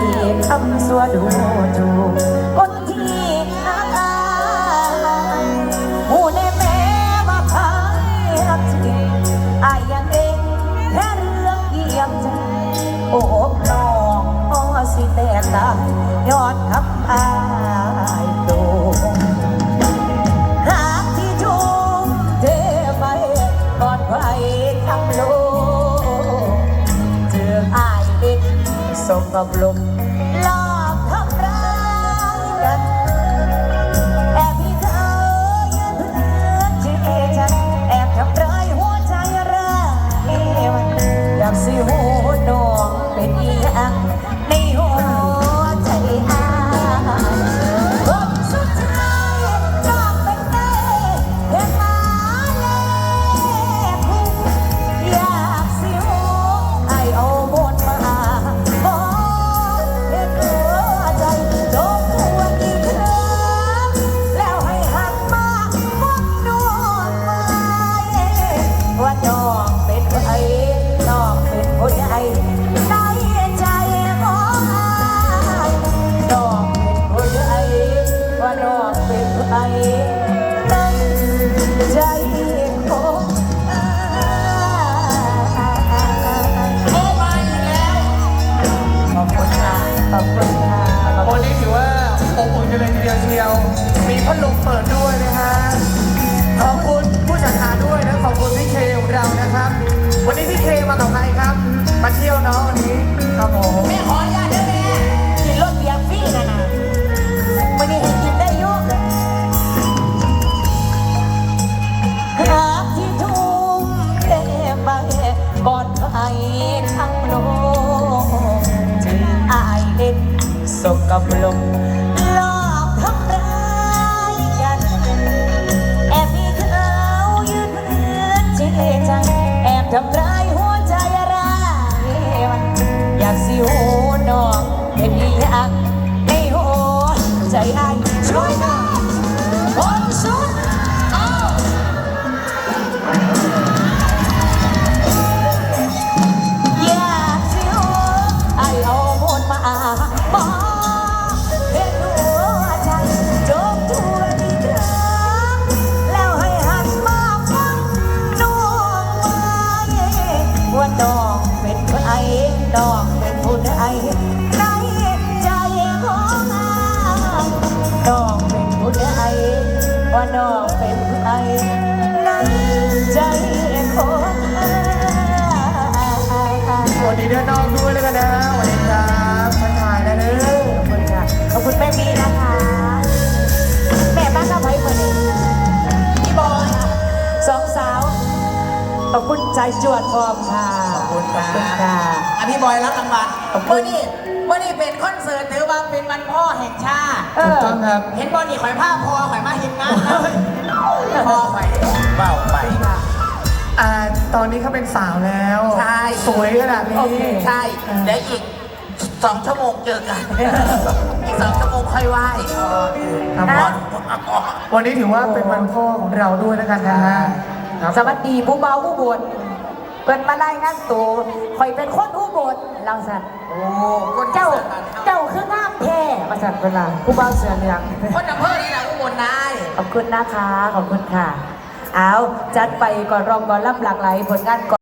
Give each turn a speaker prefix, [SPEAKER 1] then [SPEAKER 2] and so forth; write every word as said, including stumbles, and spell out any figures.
[SPEAKER 1] คำสัวดูถูกคนที่อาการหูในแม่ว่าพายรักจริงอายยังเองแค่เรื่องเยี่ยมใจโอบน้องอ้อสิแต่ตายยอดคำอายโดงหากที่ทุ่มเทไปก่อนไปทั้งโลกเจออายเด็กสมกับลมหลอกทำร้ายกันแอบพี่เธอยืนเพื่อที่ฉันแอบทำร้ายหัวใจร้ายมันอยากสิหูน้องเป็นอีหยังในหัวใจอายคนสุดท้ายน้องเป็นแม่เห็นมาแล้วอยากสิหูไอเอาบทมาบอกเห็นหัวใจจบหัวอีกครั้งแล้วให้หันมามองน้องมาว่าน้องเป็นใครน้องเป็นคนใดในใจของอายน้องเป็นคนใดว่าน้องเป็นใครในใจของอายโอ้มาอีกแล้วขอบคุณค่ะขอบคุณค่ะขอบคุ
[SPEAKER 2] วั
[SPEAKER 1] ณ
[SPEAKER 2] นนี้ถือว่าอบอุ่นกันเลยทีเดียวเชียว มีพัดลมเปิดด้วยนะฮะ ขอบคุณผู้จัดการด้วยนะ ขอบคุณพี่เคของเรานะครับ วันนี้พี่เคมากับใครครับ มาเที่ยวเนาะวันนี้ครับผม
[SPEAKER 1] แม่ขออนุญาตได้ไหมกินรถเบียร์ฟรีนะนะวันนี้ให้กินได้อยุ่หากที่ทุ่มเทไปก่อนใครทั้งโลกจึงอายเด็กสกกับลมหลอกทำร้ายกันแอบมีเขายืนเพื่อนเจใจแอบทำร้ายหัวใจร้ายมันอยากสิหูน้องเป็นอีหยังในหัวใจอายช่วยหน่อยคนสุดเอาอยากสิหูไอเอาหมดมาบอกเห็นหัวใจจบทั่วที่ครั้งแล้วให้หันมาฟังน้องไว้ว่าน้องเป็นใครน้องเป็นผู้ใดในใจของอายน้องเป็นผู้ใดว่าน้องเป็นใครในใจของอาย
[SPEAKER 2] สวัสดีเด้อน้องด้วยแล้วกันนะสวัสดีครับทักทายนะเด้อ
[SPEAKER 1] ขอบคุณค่ะขอบคุณแม่บีนะคะแม่บ้านข้าวไผ่เปิดเองพี่บอยสองสาวขอบคุณใจจวดฟอร์มค่ะ
[SPEAKER 2] ขอบคุณค่ะ
[SPEAKER 1] ขอบคุณค่ะ
[SPEAKER 3] อ่ะพี่บอยรับรางวัล
[SPEAKER 1] ขอบคุณ
[SPEAKER 3] เมื่อนี้เมื่อนี้เป็นคอนเสิร์ตถือว่าเป็นวันพ่อแห่งชาติ
[SPEAKER 1] เอ
[SPEAKER 2] ถูก
[SPEAKER 1] อ
[SPEAKER 2] ต้องครับ
[SPEAKER 3] เห็นบอนี่ข่อยผ้าพอข่อยมาเห็นงานนะพ่อข่อยเบ้าไป
[SPEAKER 2] อ่า ตอนนี้เขาเป็นสาวแล้ว
[SPEAKER 3] ใช่
[SPEAKER 2] สวยขนาดนี้
[SPEAKER 3] ใช่เดี๋ยวอีกสองชั่วโมงเจอกัน อีกสองชั่วโมงค่อยไหว้
[SPEAKER 2] ครับ
[SPEAKER 3] ก่อน
[SPEAKER 2] วันนี้ถือว่าเป็นวันพ่อของเราด้วยแล้วกันนะฮะครับ
[SPEAKER 1] สวัสดีผู้เบาผู้บนเปิดมาไล่งานตัวคอยเป็นคนผู้บนเราสัตว์
[SPEAKER 3] โอ้คน
[SPEAKER 1] เจ้า
[SPEAKER 3] เจ้า
[SPEAKER 1] เจ้าคืองามแท้มาสัตว์เวลาผู้เบาเสือเหลือง
[SPEAKER 3] คนอำเภอนี่แหละอุบลได้
[SPEAKER 1] ขอบคุณนะคะ ขอบคุณค่ะ เอาจัดไปก่อนรองก่อนรับหลากหลายผลงานก่อน